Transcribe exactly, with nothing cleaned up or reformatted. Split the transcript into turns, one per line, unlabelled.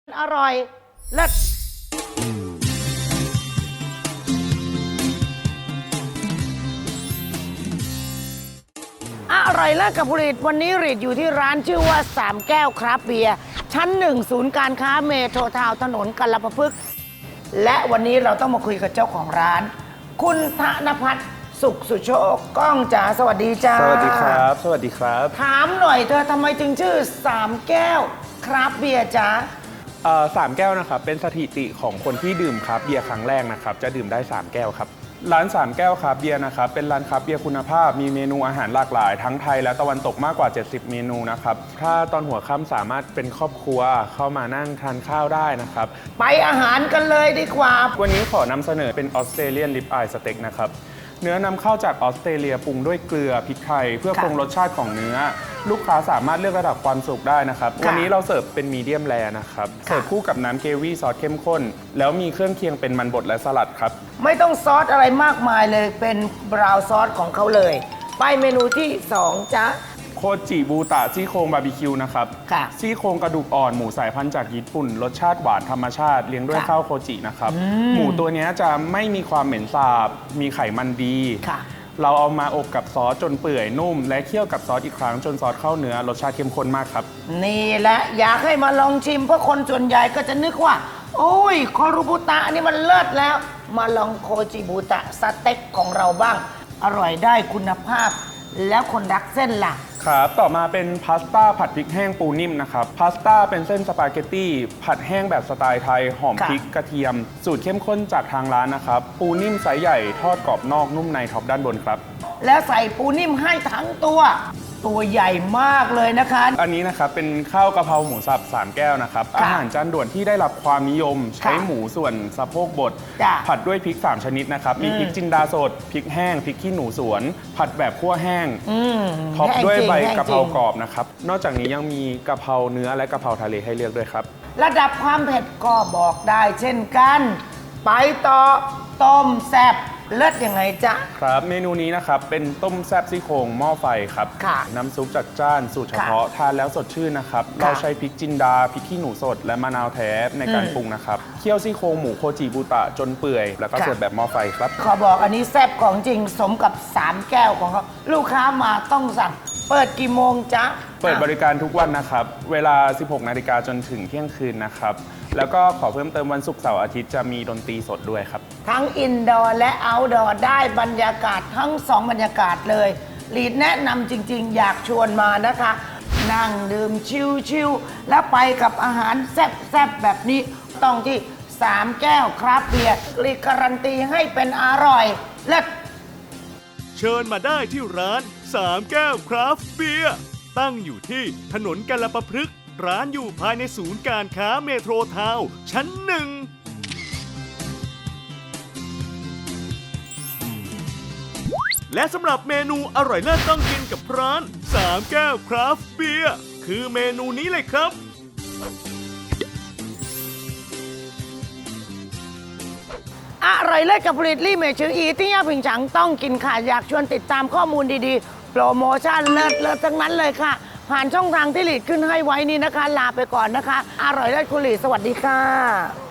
อร่อยเลิศอร่อยเลิศกับผลิตวันนี้รีดอยู่ที่ร้านชื่อว่าสามแก้วคราฟต์เบียร์ชั้นหนึ่งศูนย์การค้าเมโทรทาวน์ถนนกัลปะพฤกษ์และวันนี้เราต้องมาคุยกับเจ้าของร้าน คุณธนภัทรสุขสุโชคก้องจ๋าสวัสดีจ้า
สวัสดีครับสวัสดีครับ
ถามหน่อยเธอทำไมจึงชื่อสามแก้วคราฟต์เบียร์จ้า
สามแก้วนะครับเป็นสถิติของคนที่ดื่มคราฟต์เบียร์ครั้งแรกนะครับจะดื่มได้สามแก้วครับร้านสามแก้วคราฟต์เบียร์นะครับเป็นร้านคราฟต์เบียร์คุณภาพมีเมนูอาหารหลากหลายทั้งไทยและตะวันตกมากกว่าเจ็ดสิบเมนูนะครับถ้าตอนหัวค่ำสามารถเป็นครอบครัวเข้ามานั่งทานข้าวได้นะครับ
ไปอาหารกันเลยดีกว่า
วันนี้ขอนำเสนอเป็นออสเตรเลียนริบอายสเต็กนะครับเนื้อนำเข้าจากออสเตรเลียปรุงด้วยเกลือพริกไทยเพื่อปรุงรสชาติของเนื้อลูกค้าสามารถเลือกระดับความสุกได้นะครับวันนี้เราเสิร์ฟเป็นมีเดียมแรร์นะครับเสิร์ฟคู่กับน้ำเกวี่ซอสเข้มข้นแล้วมีเครื่องเคียงเป็นมันบดและสลัดครับ
ไม่ต้องซอสอะไรมากมายเลยเป็นบราวน์ซอสของเขาเลยไปเมนูที่สองจ๊ะ
โคจิบูตะซี่โครงบาร์บีคิวนะครับซี่โครงกระดูกอ่อนหมูสายพันธุ์จากญี่ปุ่นรสชาติหวานธรรมชาติเลี้ยงด้วยข้าวโคจินะครับหมูตัวนี้จะไม่มีความเหม็นสาบมีไขมันดีเราเอามาอบกับซอสจนเปื่อยนุ่มและเคี่ยวกับซอสอีกครั้งจนซอสเข้าเนื้อรสชาติเข้มข้นมากครับ
นี่แหละอยากให้มาลองชิมเพราะคนส่วนใหญ่ก็จะนึกว่าโอ้ยคอรูบุตะนี่มันเลิศแล้วมาลองโคจิบุตะสเต็กของเราบ้างอร่อยได้คุณภาพแล้วคนรักเส้นล่ะ
ครับต่อมาเป็นพาสต้าผัดพริกแห้งปูนิ่มนะครับพาสต้าเป็นเส้นสปาเกตตี้ผัดแห้งแบบสไตล์ไทยหอมพริกกระเทียมสูตรเข้มข้นจากทางร้านนะครับปูนิ่มไซส์ใหญ่ทอดกรอบนอกนุ่มในท็อปด้านบนครับ
แล้วใส่ปูนิ่มให้ทั้งตัวตัวใหญ่มากเลยนะคะ
อันนี้นะครับเป็นข้าวกะเพราหมูสับสามแก้วนะครับอาหารจานด่วนที่ได้รับความนิยมใช้หมูส่วนสะโพกบดผัดด้วยพริกสามชนิดนะครับมีพริกจินดาสดพริกแห้งพริกขี้หนูสวนผัดแบบคั่วแห้งท็อปด้วยใบกะเพรากรอบนะครับนอกจากนี้ยังมีกะเพราเนื้อและกะเพราทะเลให้เลือกด้วยครับ
ระดับความเผ็ดก็บอกได้เช่นกันไปต่อต้มแซ่บเลิศยังไงจ๊ะ
ครับเมนูนี้นะครับเป็นต้มแซ่บซี่โครงหม้อไฟครับน้ำซุปจัดจ้านสูตรเฉพาะทานแล้วสดชื่นนะครับเราใช้พริกจินดาพริกขี้หนูสดและมะนาวแท้ในการปรุงนะครับเคี่ยวซี่โครงหมูโคจิบุตะจนเปื่อยแล้วก็เสิร์ฟแบบหม้อไฟครับ
ขอบอกอันนี้แซ่บของจริงสมกับสามแก้วของเขาลูกค้ามาต้องสั่งเปิดกี่โมงจ๊ะ
เปิดบริการทุกวันนะครับเวลา สิบหกนาฬิกาจนถึงเที่ยงคืนนะครับแล้วก็ขอเพิ่มเติมวันศุกร์เสาร์อาทิตย์จะมีดนตรีสดด้วยครับ
ทั้งอินดอร์และเอาท์ดอร์ได้บรรยากาศทั้งสองบรรยากาศเลยลีดแนะนำจริงๆอยากชวนมานะคะนั่งดื่มชิลๆและไปกับอาหารแซ่บๆแบบนี้ต้องที่สามแก้วคราฟต์เบียร์ลีดการันตีให้เป็นอร่อยเลิศ
เชิญมาได้ที่ร้านสามแก้วคราฟต์เบียร์ตั้งอยู่ที่ถนนกัลปะพฤกษ์ร้านอยู่ภายในศูนย์การค้าเมโทรทาวน์ชั้นหนึ่งและสำหรับเมนูอร่อยเลิศต้องกินกับร้านสามแก้วคราฟต์เบียร์คือเมนูนี้เลยครับ
อร่อยเลิศกับผลิตลี่เมชื่ออีที่ย่าผิงฉังต้องกินค่ะอยากชวนติดตามข้อมูลดีๆโปรโมชั่นเลิศเลิศทั้งนั้นเลยค่ะผ่านช่องทางที่หลีดขึ้นให้ไว้นี่นะคะลาไปก่อนนะคะอร่อยเลิศคุณหลีดสวัสดีค่ะ